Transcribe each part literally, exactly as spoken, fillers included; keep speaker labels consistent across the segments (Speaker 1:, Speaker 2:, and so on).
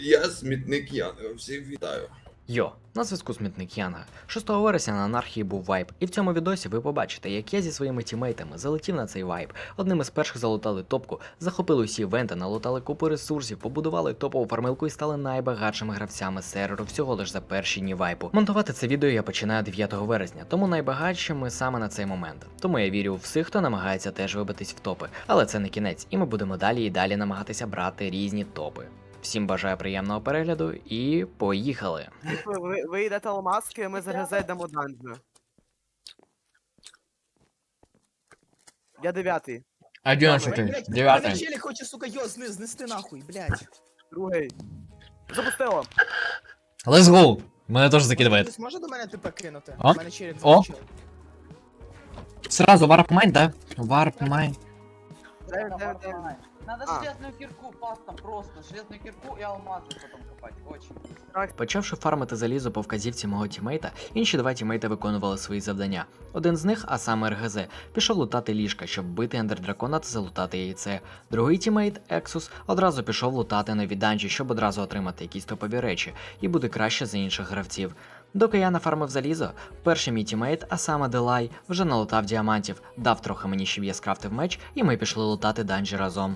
Speaker 1: Я смітник Янга, всіх вітаю.
Speaker 2: Йо, на зв'язку Смітник Янга. шостого вересня на анархії був вайп, і в цьому відосі ви побачите, як я зі своїми тімейтами залетів на цей вайп. Одним із перших залутали топку, захопили усі івенти, налутали купу ресурсів, побудували топову фармилку і стали найбагатшими гравцями серверу всього лиш за перші дні вайпу. Монтувати це відео я починаю дев'ятого вересня, тому найбагатшими саме на цей момент. Тому я вірю у всіх, хто намагається теж вибитись в топи. Але це не кінець, і ми будемо далі і далі намагатися брати різні топи. Всім бажаю приємного перегляду і поїхали!
Speaker 3: Ви, ви йдете алмазки, ми зараз зайдемо данжу. Я дев'ятий.
Speaker 4: Одинадцятый,
Speaker 5: Мене
Speaker 4: девятый.
Speaker 5: челік хоче, сука, його зни, знести нахуй, блядь.
Speaker 3: Другий. Запустило.
Speaker 4: Let's go! Мене теж закидывает.
Speaker 5: Хтось може до мене ТП кинути?
Speaker 4: А?
Speaker 5: Мене челік
Speaker 4: О.
Speaker 5: закінчив.
Speaker 4: Сразу варп майн, да? Варп майн.
Speaker 3: Дай, дай, дай.
Speaker 6: Надо
Speaker 3: А.
Speaker 6: железную кирку пастом просто, железную кирку и алмазы потом копать, очень быстро.
Speaker 2: Почавши фармити залізо по вказівці мого тімейта, інші два тімейта виконували свої завдання. Один з них, а саме РГЗ, пішов лутати ліжка, щоб бити ендердракона та залутати яйце. Другий тімейт, Ексус, одразу пішов лутати нові данжі, щоб одразу отримати якісь топові речі і бути краще за інших гравців. Доки я нафармив залізо, перший мій тімейт, а саме Делай, вже налутав діамантів, дав трохи мені, щоб я скрафтив меч, і ми пішли лутати данжі разом.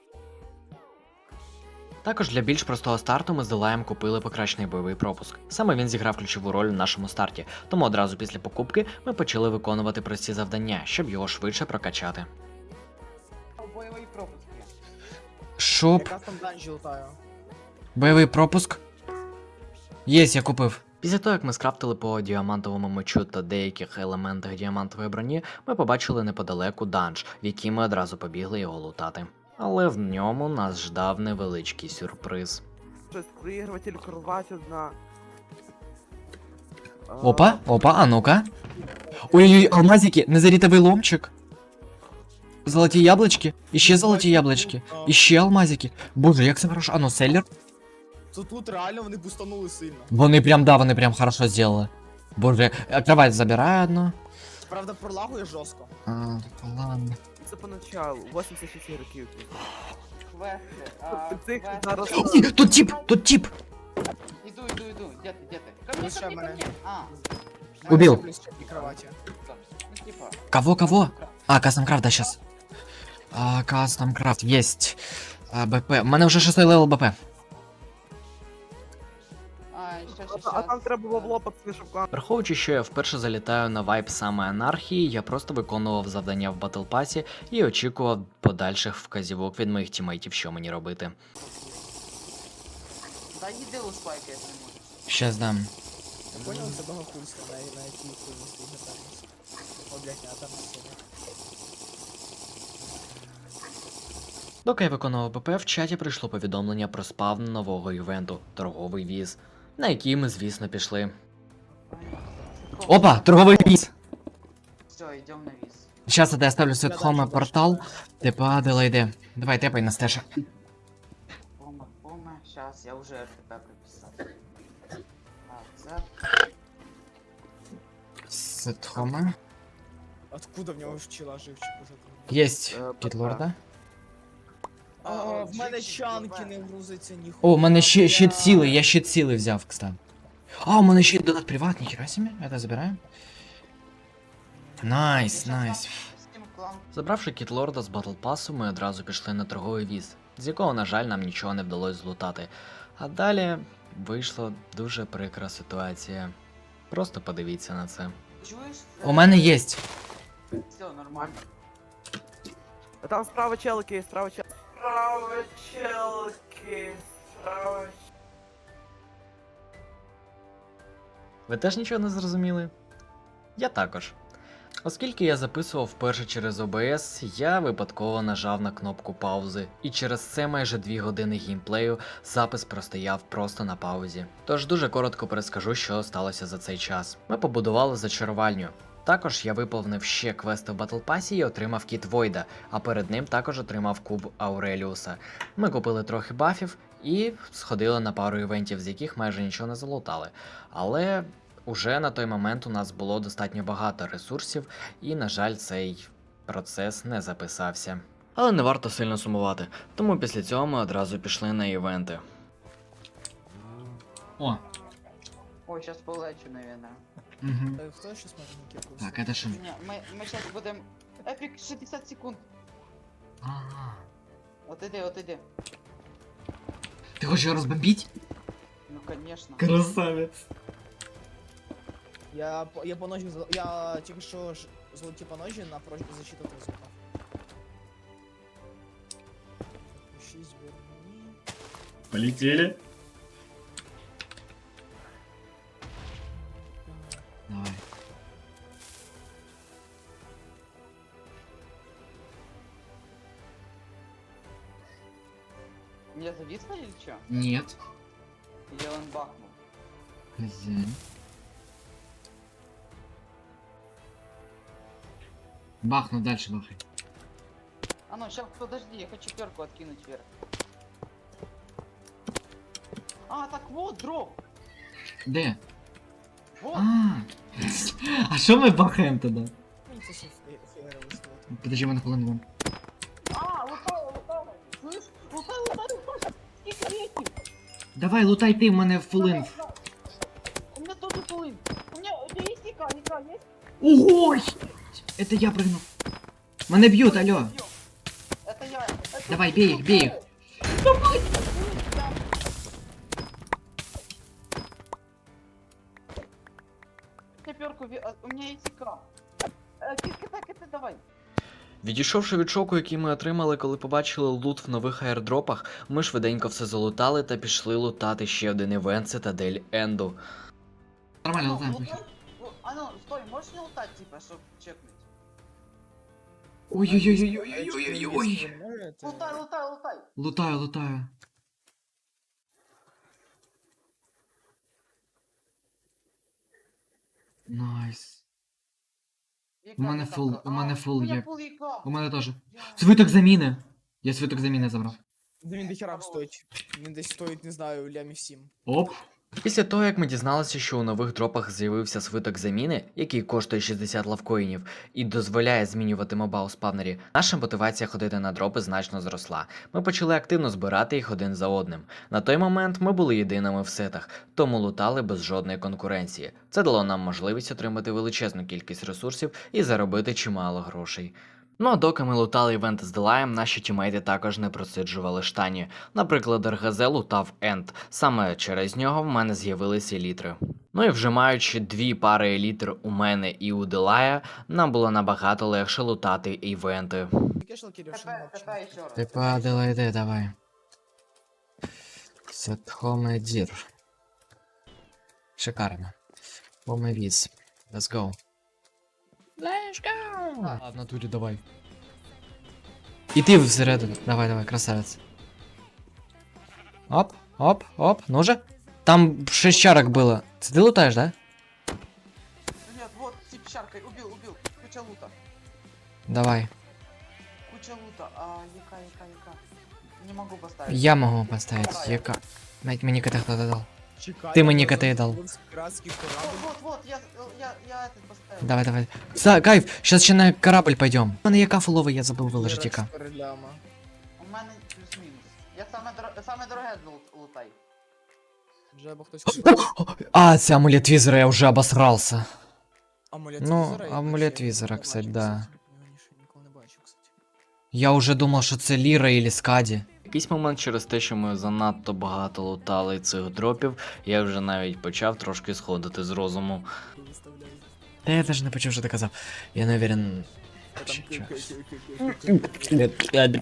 Speaker 2: Також для більш простого старту ми з Делаєм купили покращений бойовий пропуск. Саме він зіграв ключову роль у нашому старті, тому одразу після покупки ми почали виконувати прості завдання, щоб його швидше прокачати.
Speaker 6: Боевые пропуски.
Speaker 4: Шоп.
Speaker 5: Якраз там данжі лутаю.
Speaker 4: Бойовий пропуск. Єсть, я купив.
Speaker 2: Після того, як ми скрафтили по діамантовому мечу та деяких елементах діамантової броні, ми побачили неподалеку данж, в який ми одразу побігли його лутати. Але в ньому нас ждав невеличкий сюрприз.
Speaker 3: Щось проігруватель кровать одна. А,
Speaker 4: Опа, опа, а ну-ка. Ой-ой-ой, алмазики, незарітовий ломчик. Золоті яблучки. Іще золоті яблучки. Іще алмазики. Боже, як це хорошо. А ну, селлер.
Speaker 5: Тут тут реально вони бустанули сильно.
Speaker 4: Вони прям, да, вони прям хорошо зробили. Боже, э, кровать забираю одну.
Speaker 5: Правда, пролагує жорстко.
Speaker 4: А, ладно.
Speaker 3: Це поначалу, вісімдесят шість років.
Speaker 6: Квесты. а,
Speaker 3: Ти цих
Speaker 6: квесты.
Speaker 3: зараз...
Speaker 4: Ні, тут тип, тут тип.
Speaker 6: Иду, иду, иду. Где ты, где ты? Ко мне,
Speaker 5: Лучше
Speaker 6: ко мне, ко
Speaker 5: мене.
Speaker 6: мне. А,
Speaker 4: Убил.
Speaker 5: Плюс четвертій кроваті.
Speaker 6: стоп. Ну, типа.
Speaker 4: Кого, кого? А, кастом крафт, да, сейчас. А, кастом крафт, есть. А, БП. У мене вже шостий левел БП.
Speaker 6: А, сейчас,
Speaker 3: А,
Speaker 6: сейчас.
Speaker 3: а там треба бабло пацани, щоб кан-
Speaker 2: Враховуючи, що я вперше залітаю на вайп саме анархії, я просто виконував завдання в батл пасі і очікував подальших вказівок від моїх тімейтів, що мені робити.
Speaker 6: Да не делай спайка, если можешь.
Speaker 4: Щас дам.
Speaker 5: Я понял, це богохульство, на, на якій хуйні стоїть готовність. О, блядь, не, а там не сильно.
Speaker 2: Доки я виконував БП, в чаті прийшло повідомлення про спавн нового івенту торговий віз, на який ми, звісно, пішли.
Speaker 4: Опа, торговий віз.
Speaker 6: Все, идем на виз.
Speaker 4: Сейчас я оставлю свой хома портал. Типа, Делайде. Давай, тепай на стеша.
Speaker 6: Пома, пома. Сейчас, я уже РТП прописал. Так, за.
Speaker 4: Сет хома.
Speaker 5: Откуда в нього вчила живчик уже?
Speaker 4: Есть.
Speaker 3: Е,
Speaker 4: Кітлорда.
Speaker 5: А,
Speaker 6: А,
Speaker 5: в мене
Speaker 6: живчик,
Speaker 5: чанки
Speaker 6: давай.
Speaker 5: не грузиться, ніхуя.
Speaker 4: О, у мене ще щит сили, я щит сили взяв, кстати. А, у мене ще донат приват, ніхера себе. Это забираем. Найс,
Speaker 6: Сейчас
Speaker 4: найс.
Speaker 6: Steam клан.
Speaker 2: Забравши кітлорда з батл пасу, ми одразу пішли на торговий віз, з якого, на жаль, нам нічого не вдалося злутати. А далі вийшла дуже прикра ситуація. Просто подивіться на це.
Speaker 6: Чуешь?
Speaker 4: У мене єсть.
Speaker 6: Все нормально.
Speaker 3: А там справа челки, справа челки. Справа челки, справа...
Speaker 2: Ви теж нічого не зрозуміли? Я також. Оскільки я записував вперше через о бе ес, я випадково нажав на кнопку паузи, і через це майже дві години геймплею запис простояв просто на паузі. Тож дуже коротко перескажу, що сталося за цей час. Ми побудували зачарувальню. Також я виповнив ще квести в батл пасі і отримав кіт Войда, а перед ним також отримав куб Ауреліуса. Ми купили трохи бафів і сходили на пару івентів, з яких майже нічого не залутали. Але уже на той момент у нас було достатньо багато ресурсів, і, на жаль, цей процес не записався. Але не варто сильно сумувати, тому після цього ми одразу пішли на івенти.
Speaker 4: О.
Speaker 6: Ой, сейчас полечу, наверное.
Speaker 4: Угу.
Speaker 5: Е, Хто ще може на кірку?
Speaker 4: Так, это что?
Speaker 6: Не, мы, мы сейчас будем... Эпик шестьдесят секунд.
Speaker 4: Ага.
Speaker 6: Вот иди, вот иди.
Speaker 4: Ты хочешь его разбомбить?
Speaker 6: Ну, конечно.
Speaker 4: Красавец.
Speaker 5: Я, по- я по ножі, зал- я тільки що ж золоті по ножі на прочку защиту ти звукав. Шість верні.
Speaker 4: Полетели. Давай.
Speaker 6: Меня зависло или что?
Speaker 4: Нет.
Speaker 6: Или он бахнул?
Speaker 4: Хозяин. Бахну, дальше бахай.
Speaker 6: А ну, сейчас, подожди, я хочу перку откинуть вверх. А, так вот, дроп.
Speaker 4: Де?
Speaker 6: Вот.
Speaker 4: А, а що ми бахаємо тоді?
Speaker 5: Мені це ще фе- феєра висилати.
Speaker 4: Подожди, мене хвилину вам.
Speaker 6: А, лутала, лутала. Слышь, лутай, лутай, лутай. Сколько реки?
Speaker 4: Давай, лутай ти, в мене фулин.
Speaker 6: У меня тоже плын. У меня, у тебя есть ика, ика есть?
Speaker 4: Ого! Это я прыгнул. Мене б'ють, алло.
Speaker 6: Это я. Это
Speaker 4: Давай,
Speaker 6: ты,
Speaker 4: бей их, бей их.
Speaker 6: Давай. Я перку, ви- а, у меня есть ика. Э, Киска, так это давай.
Speaker 2: Відійшовши від шоку, який ми отримали, коли побачили лут в нових аірдропах, ми швиденько все залутали та пішли лутати ще один івент Цитадель Енду.
Speaker 4: Нормально,
Speaker 6: Ну,
Speaker 4: лутаем.
Speaker 6: лутай. Лу- А ну, стой, можешь не лутать, типа, чтоб чекнуть?
Speaker 4: Ой-ой-ой-ой-ой-ой-ой.
Speaker 5: Ви можете?
Speaker 6: Лутай, лутай, лутай.
Speaker 4: Лутаю, лутаю. Найс.
Speaker 6: Ика
Speaker 4: У мене
Speaker 6: где-то
Speaker 4: фул-
Speaker 6: про-
Speaker 4: у мене
Speaker 6: А,
Speaker 4: фул
Speaker 6: у меня
Speaker 4: є.
Speaker 6: фул ика.
Speaker 4: У мене теж.
Speaker 6: Я-
Speaker 4: Свиток заміни. Я свиток заміни забрав.
Speaker 5: Да він дохера стоїть. Він десь стоїть, не знаю, лямів сім.
Speaker 4: Оп.
Speaker 2: Після того, як ми дізналися, що у нових дропах з'явився свиток заміни, який коштує шістдесят лавкоїнів і дозволяє змінювати моба у спавнері, наша мотивація ходити на дропи значно зросла. Ми почали активно збирати їх один за одним. На той момент ми були єдиними в сетах, тому лутали без жодної конкуренції. Це дало нам можливість отримати величезну кількість ресурсів і заробити чимало грошей. Ну а доки ми лутали івент з Делаєм, наші тімейти також не просиджували штані. Наприклад, ар ге зет лутав Енд. Саме через нього в мене з'явилися елітри. Ну і вже маючи дві пари елітр у мене і у Делая, нам було набагато легше лутати івенти.
Speaker 5: Яке ж лакірів, що
Speaker 6: ТП,
Speaker 5: не
Speaker 6: ТП еще раз.
Speaker 4: Ти падала, йди, давай. Сетхомедір. Шикарно. Помивіз. Let's go. Let's go! А, в натурі давай. І ти всередину. Давай, давай, красавець. Оп, оп, оп, ну же. Там шесть чарок было. Ты лутаешь, да?
Speaker 6: Нет, вот, тип шаркой, убил, убил. Куча лута.
Speaker 4: Давай.
Speaker 6: Куча лута. А, яка, яка, яка. Не могу поставить.
Speaker 4: Я могу поставить. Яка. Навіть мені кота хто додав.
Speaker 5: Чекай,
Speaker 4: Ти мені
Speaker 5: я
Speaker 4: коти
Speaker 5: зараз
Speaker 4: дал.
Speaker 5: з піратський
Speaker 6: Вот,
Speaker 5: корабль.
Speaker 6: вот, вот, я, я, я этот поставил.
Speaker 4: Давай, давай. За, кайф, сейчас ще на корабль пойдем. У мене яка фуловий, я забув виложити яка.
Speaker 5: чотири ляма.
Speaker 6: У мене плюс-мінус. Я саме, дор... саме дороге лут- лутай.
Speaker 5: Вже або хтось...
Speaker 4: А, це амулет візера, я вже обосрался.
Speaker 5: Амулет
Speaker 4: Ну,
Speaker 5: візера, я
Speaker 4: амулет
Speaker 5: ще
Speaker 4: візера,
Speaker 5: не
Speaker 4: кстати,
Speaker 5: бачив,
Speaker 4: да.
Speaker 5: кстати. Я його ще ніколи не бачив, кстати.
Speaker 4: Я уже думав, що це Ліра или Скаді.
Speaker 2: В якийсь момент через те, що ми занадто багато лутали цих дропів, я вже навіть почав трошки сходити з розуму.
Speaker 5: Ти виставляєш.
Speaker 4: Та я даже не почув, що ти казав. Я не уверен.
Speaker 5: Та там
Speaker 4: Ще
Speaker 5: ки-
Speaker 4: чогось.
Speaker 5: ки- ки- ки-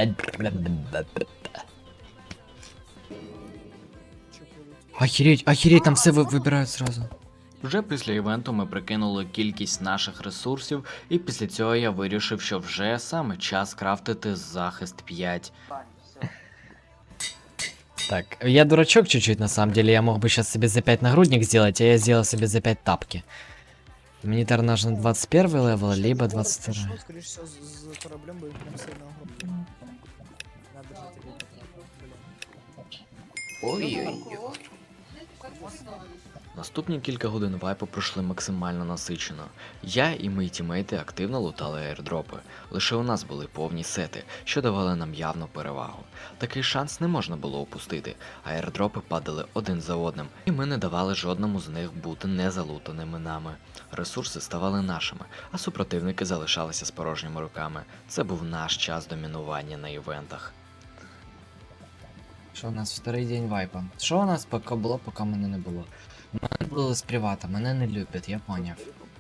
Speaker 5: Що прилетіло?
Speaker 4: Охереть, охереть, там все ви- вибирають сразу.
Speaker 2: Вже після івенту ми прикинули кількість наших ресурсів, і після цього я вирішив, що вже саме час крафтити захист п'ять.
Speaker 6: Тань, все.
Speaker 4: Так, я дурачок чуть-чуть на самом деле, я мог бы сейчас себе за пять нагрудник сделать, а я сделал себе за пять тапки. Гуманитар нужен двадцать первый левел, либо двадцать второй.
Speaker 5: Пішов, скоріш всього, з- з кораблем, бо він прям сильно огромний. Надо держати його, блін.
Speaker 6: Ой-ой-ой.
Speaker 2: Наступні кілька годин вайпу пройшли максимально насичено. Я і мої тімейти активно лутали аірдропи. Лише у нас були повні сети, що давали нам явну перевагу. Такий шанс не можна було упустити. Аірдропи падали один за одним, і ми не давали жодному з них бути незалутаними нами. Ресурси ставали нашими, а супротивники залишалися з порожніми руками. Це був наш час домінування на івентах.
Speaker 4: Що у нас вторий день вайпа? Що у нас поки було, поки мене не було? Мене було з привата, мене не люблять, я поняв.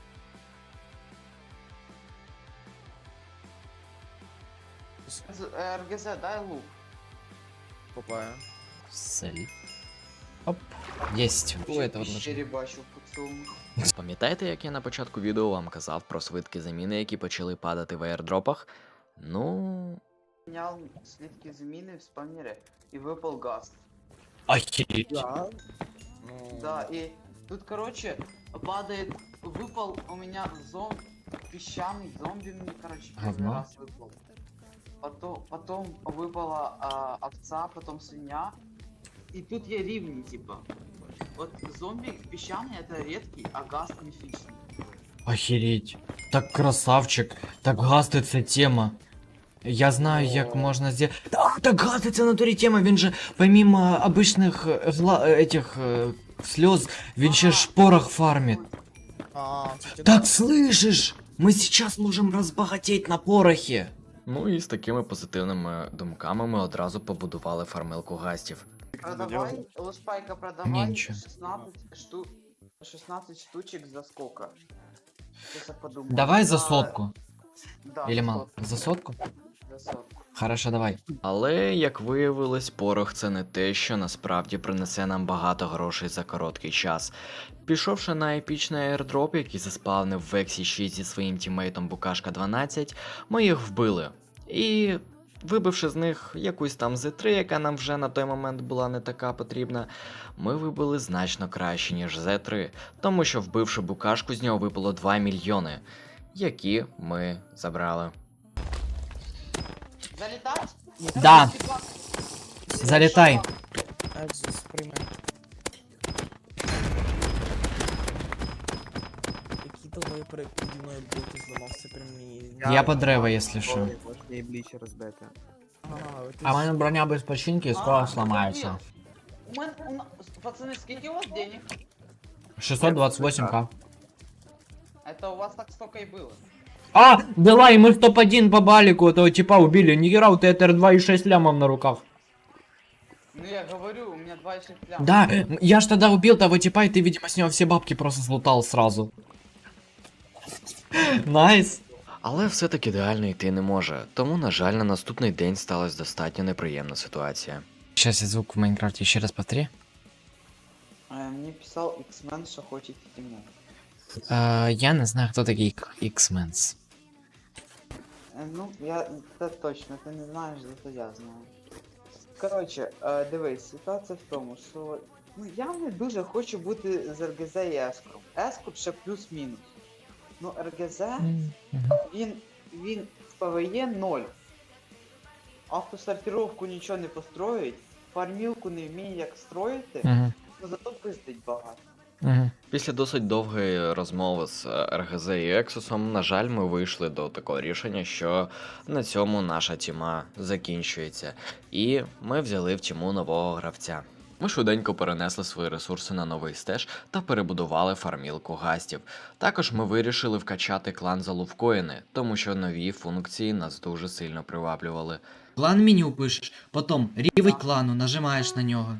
Speaker 6: З- е, РГЗ, дай лук.
Speaker 3: Купаю.
Speaker 4: Сель. Оп. Єсть. У этого
Speaker 6: Ще
Speaker 4: должно.
Speaker 6: рібачу по цьому.
Speaker 2: Пам'ятаєте, як я на початку відео вам казав про швидкі заміни, які почали падати в аірдропах? Ну,
Speaker 6: Міняв слідки зміни в спамірі і випав газ.
Speaker 4: Охереть.
Speaker 3: Да. Ну,
Speaker 6: Да, и тут, короче, падает, выпал у меня зом, песчаный зомби мне, короче, первый
Speaker 4: Говно?
Speaker 6: раз выпал. Потом, потом выпала а, овца, потом свинья. И тут я ривни, типа. Вот зомби песчаный это редкий, а газ мифичный.
Speaker 4: Охереть. Так красавчик. Так гасти це тема. Я знаю, як
Speaker 3: О.
Speaker 4: можна сделать. Да, так гасти це в натурі тема. Він же, помимо обычных э, зла... э, этих э, слез, він ще ж порох фармит.
Speaker 5: А, це
Speaker 4: Так слышишь? Мы сейчас можем разбогатеть на порохе.
Speaker 2: ну і з такими позитивними думками ми одразу побудували фармилку гастів.
Speaker 6: Продавай, лошпайка,
Speaker 4: Не,
Speaker 6: продавай
Speaker 4: ничего.
Speaker 6: шестнадцать штук, шестнадцать штучек за сколько? Сейчас я подумаю.
Speaker 4: Давай за
Speaker 6: А,
Speaker 4: сотку.
Speaker 6: Да,
Speaker 4: Или
Speaker 6: за
Speaker 4: мало?
Speaker 6: сотку,
Speaker 4: За сотку?
Speaker 6: за сотку.
Speaker 4: Хорошо, давай.
Speaker 2: Але, як виявилось, порох це не те, що насправді принесе нам багато грошей за короткий час. Пішовши на епічний аірдроп, який заспавнив в Ексі шість зі своїм тімейтом Букашка дванадцять, ми їх вбили. І, вибивши з них якусь там зет три, яка нам вже на той момент була не така потрібна, ми вибили значно краще, ніж зет три, тому що вбивши Букашку, з нього випало два мільйони, які ми забрали.
Speaker 6: Залетать?
Speaker 4: Да. Залетай.
Speaker 5: Екзус, приймай. Які довгої перед піді мною блоки зламався прям мені.
Speaker 4: Я по древо, если что.
Speaker 3: І блічі розбити.
Speaker 5: Ага, ти
Speaker 4: А в мене броня без починки
Speaker 6: А,
Speaker 4: скоро
Speaker 6: забыл.
Speaker 4: сломается.
Speaker 6: У мен- у нас- Пацаны, сколько у вас денег?
Speaker 4: шестьсот двадцать восемь ка.
Speaker 6: Это у вас так столько и было.
Speaker 4: А, давай, мы в топ один по балику этого типа убили. Нихера, у тебя два и шесть лямов на руках.
Speaker 6: Ну я говорю, у меня два и шесть лям.
Speaker 4: Да, м, я ж тогда убил того типа, и ты, видимо, с него все бабки просто слутал сразу. Найс.
Speaker 2: Але все таки ідеально йти не може, тому, на жаль, на наступний день сталася достатньо неприємна ситуація.
Speaker 4: Сейчас я звук в Майнкрафте еще раз повтори.
Speaker 6: А, Мне писал X-Men, что хочет темно.
Speaker 4: А, я не знаю, кто такие X-Men's.
Speaker 6: Е, Ну, я це точно, ти не знаєш, зато я знаю. Коротше, е, дивись, ситуація в тому, що ну я не дуже хочу бути з РГЗ і Ескром. Ескор ще плюс-мінус. Ну, РГЗ, він, він в ПВЕ ноль. Автосортировку нічого не построїть, фармілку не вміє як строїти,
Speaker 4: Угу.
Speaker 6: ну зато пиздить багато.
Speaker 4: Угу.
Speaker 2: Після досить довгої розмови з РГЗ і Ексусом, на жаль, ми вийшли до такого рішення, що на цьому наша тіма закінчується, і ми взяли в тіму нового гравця. Ми швиденько перенесли свої ресурси на новий стеж та перебудували фармілку гастів. Також ми вирішили вкачати клан за лувкоїни, тому що нові функції нас дуже сильно приваблювали.
Speaker 4: Клан меню пишешь, потом рівень клану, нажимаешь на нього.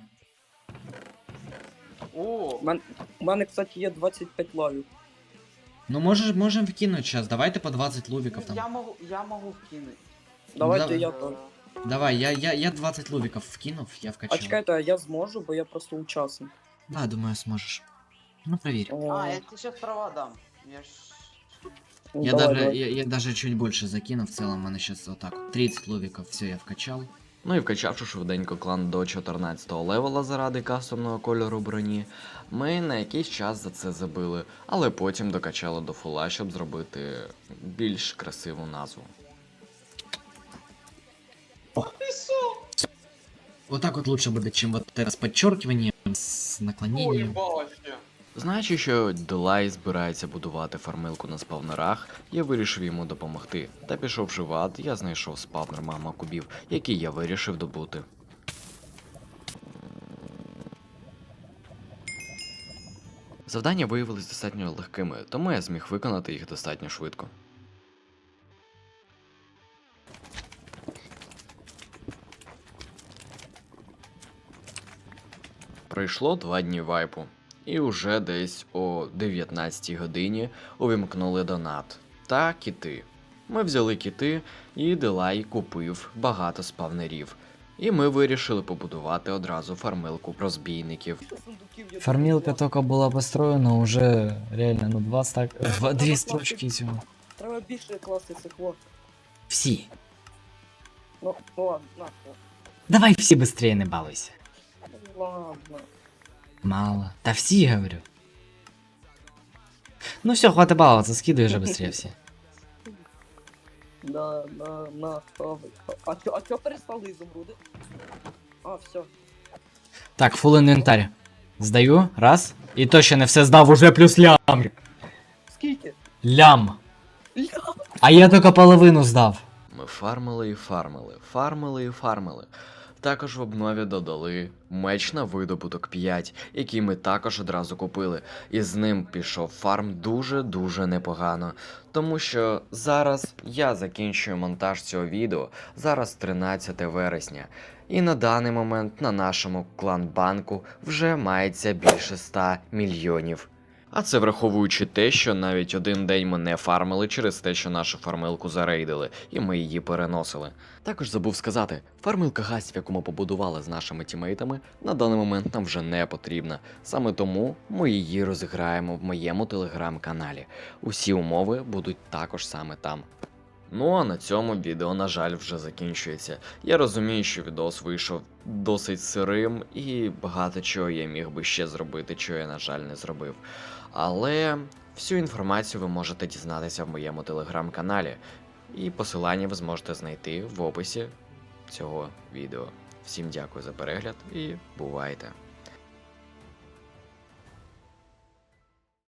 Speaker 6: О,
Speaker 7: У мене, кстати, є двадцять п'ять лавів.
Speaker 4: Ну можешь, можем вкинуть сейчас, давайте по двадцать лувиков
Speaker 6: я
Speaker 4: там.
Speaker 6: можу, я можу вкинути.
Speaker 7: Давайте
Speaker 4: Да.
Speaker 7: я
Speaker 6: Е,
Speaker 7: теж.
Speaker 4: Давай, я, я, я двадцать лувиков вкинув, я
Speaker 7: А
Speaker 4: вкачал.
Speaker 7: чекайте, а я зможу, бо я просто учасник.
Speaker 4: Да, думаю, сможешь. Ну проверь.
Speaker 7: О,
Speaker 6: А, я тебе сейчас права дам. Я ж...
Speaker 7: ну,
Speaker 4: Я
Speaker 7: давай,
Speaker 4: даже,
Speaker 7: давай.
Speaker 4: я, я даже чуть больше закину, в целом у меня сейчас вот так вот тридцать лувиков, все, я вкачал.
Speaker 2: Ну і вкачавши швиденько клан до чотирнадцятого левела заради кастомного кольору броні, ми на якийсь час за це забили, але потім докачали до фула, щоб зробити більш красиву назву.
Speaker 4: Вот так вот лучше будет, чем вот это с подчеркиванием. З наклоненням.
Speaker 2: Знаючи, що Делай збирається будувати фармилку на спавнерах, я вирішив йому допомогти. Та пішовши в ад, я знайшов спавнер мама кубів, який я вирішив добути. Завдання виявились достатньо легкими, тому я зміг виконати їх достатньо швидко. Пройшло два дні вайпу, і уже десь о дев'ятнадцятій годині увімкнули донат та кіти. Ми взяли кіти, і Делай купив багато спавнерів. І ми вирішили побудувати одразу фармилку розбійників.
Speaker 4: Фармилка только была построена, уже реально, ну, два стак... Два, две строчки всего.
Speaker 7: Треба більше класти цих вот.
Speaker 4: Все.
Speaker 7: Ну, ну ладно, на, о.
Speaker 4: Давай все быстрее, не балуйся.
Speaker 7: Ну, ладно.
Speaker 4: Мало. Да все, говорю. Ну все, хватит баловаться, скидывай же быстрее все.
Speaker 7: Да, на, на, ставить. А чо, а чо перестали ізумруди? А, все.
Speaker 4: Так, фул інвентар. Здаю, раз. І то ще не все здав, уже плюс лям.
Speaker 7: Скільки?
Speaker 4: Лям.
Speaker 7: Ля.
Speaker 4: А я тільки половину здав.
Speaker 2: Ми фармили і фармили, фармили і фармили. Також в обнові додали меч на видобуток п'ять, який ми також одразу купили, і з ним пішов фарм дуже-дуже непогано. Тому що зараз я закінчую монтаж цього відео, зараз тринадцяте вересня, і на даний момент на нашому клан-банку вже мається більше ста мільйонів. А це враховуючи те, що навіть один день ми не фармили через те, що нашу фармилку зарейдили, і ми її переносили. Також забув сказати, фармилка гастів, яку ми побудували з нашими тімейтами, на даний момент нам вже не потрібна. Саме тому ми її розіграємо в моєму телеграм-каналі. Усі умови будуть також саме там. Ну а на цьому відео, на жаль, вже закінчується. Я розумію, що відос вийшов досить сирим, і багато чого я міг би ще зробити, чого я, на жаль, не зробив. Але всю інформацію ви можете дізнатися в моєму телеграм-каналі, і посилання ви зможете знайти в описі цього відео. Всім дякую за перегляд і бувайте!